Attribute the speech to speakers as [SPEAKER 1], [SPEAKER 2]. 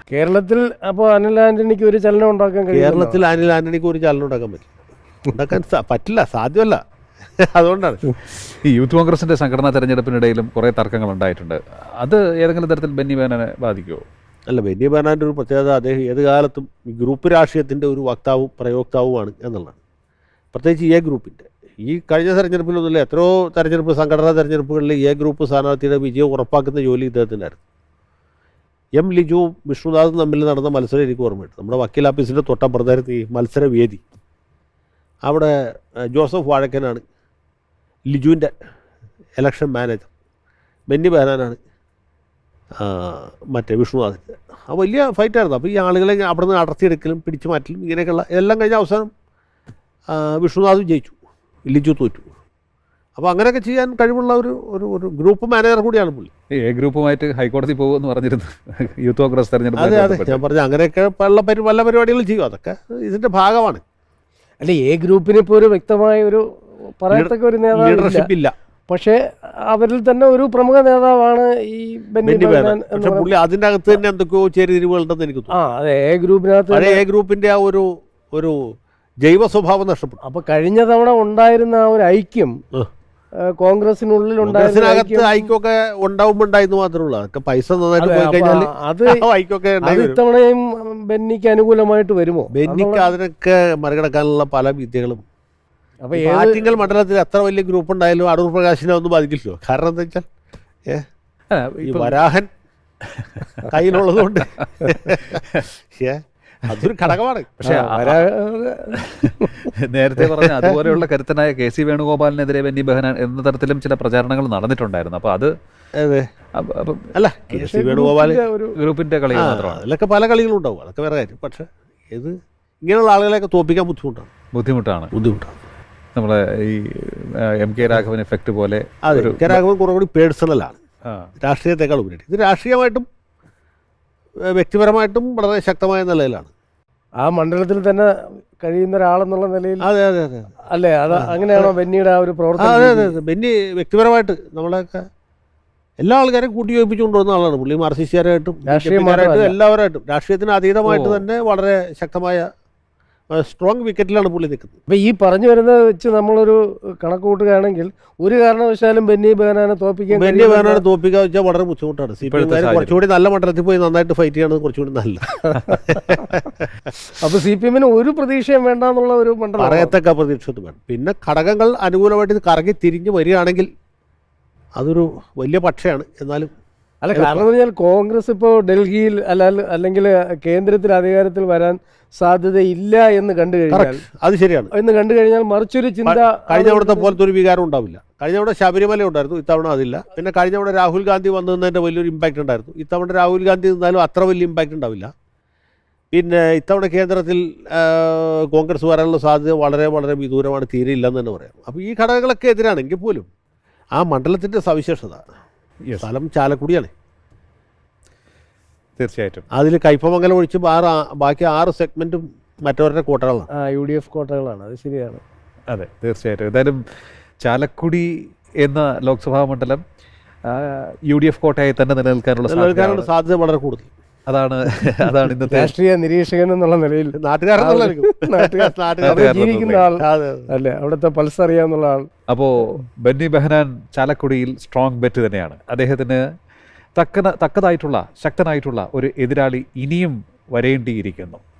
[SPEAKER 1] കേരളത്തിൽ അപ്പോൾ അനിൽ ആന്റണിക്ക് ഒരു ചലനം ഉണ്ടാക്കാൻ കഴിയും?
[SPEAKER 2] കേരളത്തിൽ അനിൽ ആന്റണിക്ക് ഒരു ചലനം ഉണ്ടാക്കാൻ പറ്റില്ല, സാധ്യമല്ല. അതുകൊണ്ടാണ്
[SPEAKER 3] ഈ യൂത്ത് കോൺഗ്രസിന്റെ സംഘടനാ തെരഞ്ഞെടുപ്പിനിടയിലും കുറേ തർക്കങ്ങൾ ഉണ്ടായിട്ടുണ്ട്. അത് ഏതെങ്കിലും തരത്തിൽ ബെന്നി ബെഹനാനെ ബാധിക്കുമോ?
[SPEAKER 2] അല്ല, ബെന്നി ബെഹനാൻ്റെ ഒരു പ്രത്യേകത അദ്ദേഹം ഏത് കാലത്തും ഈ ഗ്രൂപ്പ് രാഷ്ട്രീയത്തിൻ്റെ ഒരു വക്താവും പ്രയോക്താവുമാണ് എന്നുള്ളതാണ്. പ്രത്യേകിച്ച് എ ഗ്രൂപ്പിൻ്റെ. ഈ കഴിഞ്ഞ തെരഞ്ഞെടുപ്പിലൊന്നുമില്ല, എത്രയോ തെരഞ്ഞെടുപ്പ് സംഘടനാ തെരഞ്ഞെടുപ്പുകളിൽ എ ഗ്രൂപ്പ് സ്ഥാനാർത്ഥിയുടെ വിജയം ഉറപ്പാക്കുന്ന ജോലി ഇദ്ദേഹത്തിനായിരുന്നു. എം ലിജുവും വിഷ്ണുനാഥും തമ്മിൽ നടന്ന മത്സരം എനിക്ക് ഓർമ്മയുണ്ട്. നമ്മുടെ വക്കീൽ ഓഫീസിൻ്റെ തൊട്ടപ്പുറത്തായിരുന്നു ഈ മത്സരവേദി. അവിടെ ജോസഫ് വാഴക്കനാണ് ലിജുവിൻ്റെ ഇലക്ഷൻ മാനേജർ, ബെന്നി ബെഹനാനാണ് മറ്റേ വിഷ്ണുനാഥിൻ്റെ. ആ വലിയ ഫൈറ്റായിരുന്നു. അപ്പോൾ ഈ ആളുകളെ അവിടെ നിന്ന് അടർത്തിയെടുക്കലും പിടിച്ചു മാറ്റലും ഇങ്ങനെയൊക്കെയുള്ള എല്ലാം കഴിഞ്ഞ അവസാനം വിഷ്ണുനാഥ് ജയിച്ചു, ലിജു തോറ്റു. അപ്പോൾ അങ്ങനെയൊക്കെ ചെയ്യാൻ കഴിവുള്ള ഒരു ഗ്രൂപ്പ് മാനേജർ കൂടിയാണ് പുള്ളി.
[SPEAKER 3] എ ഗ്രൂപ്പുമായിട്ട് ഹൈക്കോടതി പോകുമെന്ന് പറഞ്ഞിരുന്നു യൂത്ത് കോൺഗ്രസ് തെരഞ്ഞെടുപ്പ്.
[SPEAKER 2] അതെ, ഞാൻ പറഞ്ഞു അങ്ങനെയൊക്കെ പല പരിപാടികളും ചെയ്യും. അതൊക്കെ ഇതിൻ്റെ ഭാഗമാണ്.
[SPEAKER 1] അല്ല, എ ഗ്രൂപ്പിന് ഇപ്പോൾ ഒരു വ്യക്തമായ ഒരു പറയത്തക്ക ഒരു
[SPEAKER 2] ലീഡർഷിപ്പ് ഇല്ല.
[SPEAKER 1] പക്ഷേ അവരിൽ തന്നെ ഒരു പ്രമുഖ നേതാവാണ് ഈ ബെന്നി ബെഹനാൻ.
[SPEAKER 2] പക്ഷെ പുള്ളി അതിൻ്റെ അകത്ത് തന്നെ എന്തൊക്കെയോ ചേരിതിരിവുകളുണ്ടെന്ന് എനിക്ക് തോന്നുന്നു.
[SPEAKER 1] അതെ, എ ഗ്രൂപ്പിനകത്ത്
[SPEAKER 2] പഴയ എ ഗ്രൂപ്പിൻ്റെ ആ ഒരു ജൈവ സ്വഭാവം നഷ്ടപ്പെട്ടു.
[SPEAKER 1] അപ്പൊ കഴിഞ്ഞ തവണ ഉണ്ടായിരുന്ന ആ ഒരു ഐക്യം കോൺഗ്രസിനുള്ളിൽ
[SPEAKER 2] കോൺഗ്രസിനകത്ത് ഐക്യമൊക്കെ ഉണ്ടാവുമ്പോണ്ടായിരുന്നു മാത്രമേ ഉള്ളൂ. അതൊക്കെ പൈസ നന്നായിട്ട് പോയി കഴിഞ്ഞാൽ
[SPEAKER 1] അത് ഇത്തവണയും ബെന്നിക്ക് അനുകൂലമായിട്ട് വരുമോ?
[SPEAKER 2] ബെന്നിക്ക് അതിനൊക്കെ മറികടക്കാനുള്ള പല വിദ്യകളും. അപ്പൊ ആറ്റിങ്ങൽ മണ്ഡലത്തിൽ എത്ര വലിയ ഗ്രൂപ്പ് ഉണ്ടായാലും അടൂർ പ്രകാശിനെ ഒന്നും ബാധിക്കില്ലല്ലോ. കാരണം എന്താ വെച്ചാൽ ഈ വരാഹൻ കയ്യിലുള്ളത് കൊണ്ട് അതൊരു ഘടകമാണ്.
[SPEAKER 3] പക്ഷേ നേരത്തെ പറഞ്ഞ അതുപോലെയുള്ള കരുത്തനായ KC വേണുഗോപാലിനെതിരെ ബെന്നി ബെഹനാൻ എന്ന തരത്തിലും ചില പ്രചാരണങ്ങൾ നടന്നിട്ടുണ്ടായിരുന്നു. അപ്പോൾ അത്
[SPEAKER 2] അല്ല, KC വേണുഗോപാൽ
[SPEAKER 3] ഗ്രൂപ്പിന്റെ കളികൾ മാത്രമാണ്.
[SPEAKER 2] അതിലൊക്കെ പല കളികളും ഉണ്ടാവും, അതൊക്കെ വേറെ കാര്യം. പക്ഷേ ഇത് ഇങ്ങനെയുള്ള ആളുകളെയൊക്കെ തോൽപ്പിക്കാൻ ബുദ്ധിമുട്ടാണ്.
[SPEAKER 3] നമ്മളെ ഈ MK രാഘവൻ എഫക്റ്റ് പോലെ.
[SPEAKER 2] അതെ, MK രാഘവൻ കുറെ കൂടി പേഴ്സണലാണ്, രാഷ്ട്രീയത്തെക്കാൾ ഉപരി. ഇത് രാഷ്ട്രീയമായിട്ടും വ്യക്തിപരമായിട്ടും വളരെ ശക്തമായ നിലയിലാണ്.
[SPEAKER 1] ആ മണ്ഡലത്തിൽ തന്നെ കഴിയുന്ന ഒരാളെന്നുള്ള നിലയിൽ.
[SPEAKER 2] അതെ
[SPEAKER 1] അല്ലേ, അത് അങ്ങനെയാണോ ബെന്നിയുടെ ആ ഒരു പ്രവർത്തനം?
[SPEAKER 2] അതെ, ബെന്നി വ്യക്തിപരമായിട്ട് നമ്മളെയൊക്കെ എല്ലാ ആൾക്കാരെയും കൂട്ടി യോജിപ്പിച്ചു കൊണ്ടുവന്ന ആളാണ് പുള്ളി. മാർക്സിസ്റ്റുകാരായിട്ടും എല്ലാവരായിട്ടും രാഷ്ട്രീയത്തിന് അതീതമായിട്ട് തന്നെ വളരെ ശക്തമായ സ്ട്രോങ് വിക്കറ്റിലാണ് പുള്ളി നിൽക്കുന്നത്.
[SPEAKER 1] അപ്പോൾ ഈ പറഞ്ഞു വരുന്നത് വെച്ച് നമ്മളൊരു കണക്ക് കൂട്ടുകയാണെങ്കിൽ ഒരു കാരണവശാലും ബെന്നി ബെഹനാനെ തോൽപ്പിക്കാൻ
[SPEAKER 2] വെച്ചാൽ വളരെ ബുദ്ധിമുട്ടാണ്. കുറച്ചുകൂടി നല്ല മണ്ഡലത്തിൽ പോയി നന്നായിട്ട് ഫൈറ്റ് ചെയ്യണത് കുറച്ചുകൂടി നല്ല.
[SPEAKER 1] അപ്പോൾ CPM ഒരു പ്രതീക്ഷയും വേണ്ട എന്നുള്ള ഒരു മണ്ഡലം,
[SPEAKER 2] പറയത്തക്ക പ്രതീക്ഷ വേണം. പിന്നെ ഘടകങ്ങൾ അനുകൂലമായിട്ട് ഇത് കറങ്ങി തിരിഞ്ഞ് വരികയാണെങ്കിൽ അതൊരു വലിയ പക്ഷയാണ്. എന്നാലും
[SPEAKER 1] അല്ല, കാരണം എന്ന് പറഞ്ഞാൽ കോൺഗ്രസ് ഇപ്പോൾ ഡൽഹിയിൽ അല്ലെങ്കിൽ കേന്ദ്രത്തിൽ അധികാരത്തിൽ വരാൻ സാധ്യതയില്ല എന്ന് കണ്ടു കഴിഞ്ഞാൽ,
[SPEAKER 2] അത് ശരിയാണ്
[SPEAKER 1] എന്ന് കണ്ടു കഴിഞ്ഞാൽ മറിച്ചൊരു ചിന്ത
[SPEAKER 2] കഴിഞ്ഞ അവിടുത്തെ പോലത്തെ ഒരു വികാരം ഉണ്ടാവില്ല. കഴിഞ്ഞ അവിടെ ശബരിമല ഉണ്ടായിരുന്നു, ഇത്തവണ അതില്ല. പിന്നെ കഴിഞ്ഞ അവിടെ രാഹുൽ ഗാന്ധി വന്നതിൻ്റെ വലിയൊരു ഇമ്പാക്റ്റ് ഉണ്ടായിരുന്നു. ഇത്തവണ രാഹുൽ ഗാന്ധി നിന്നാലും അത്ര വലിയ ഇമ്പാക്റ്റ് ഉണ്ടാവില്ല. പിന്നെ ഇത്തവണ കേന്ദ്രത്തിൽ കോൺഗ്രസ് വരാനുള്ള സാധ്യത വളരെ വളരെ വിദൂരമാണ്, തീരെ ഇല്ലെന്ന് തന്നെ പറയാം. അപ്പോൾ ഈ ഘടകങ്ങളൊക്കെ എതിരാണെങ്കിൽ പോലും ആ മണ്ഡലത്തിൻ്റെ സവിശേഷത സ്ഥലം ചാലക്കുടിയാണ്.
[SPEAKER 3] തീർച്ചയായിട്ടും
[SPEAKER 2] അതിൽ കയ്പമംഗലം ഒഴിച്ച് ബാക്കി 6 സെഗ്മെൻറ്റും മറ്റവരുടെ കോട്ടകളാണ്,
[SPEAKER 1] UDF കോട്ടകളാണ്. അത് ശരിയാണ്.
[SPEAKER 3] അതെ, തീർച്ചയായിട്ടും. എന്തായാലും ചാലക്കുടി എന്ന ലോക്സഭാ മണ്ഡലം UDF കോട്ടയായി തന്നെ നിലനിൽക്കാനുള്ള
[SPEAKER 2] സാധ്യത വളരെ കൂടുതൽ.
[SPEAKER 3] അതാണ് ഇന്നത്തെ
[SPEAKER 1] രാഷ്ട്രീയ നിരീക്ഷകൻ എന്നുള്ള നിലയിൽ ജീവിക്കുന്ന ആൾ അല്ലേ, അവിടുത്തെ പൾസ് അറിയാവുന്ന ആൾ.
[SPEAKER 3] അപ്പോൾ ബെന്നി ബെഹനാൻ ചാലക്കുടിയിൽ സ്ട്രോങ് ബെറ്റ് തന്നെയാണ്. അദ്ദേഹത്തിന് തക്കതായിട്ടുള്ള ശക്തനായിട്ടുള്ള ഒരു എതിരാളി ഇനിയും വരേണ്ടിയിരിക്കുന്നു.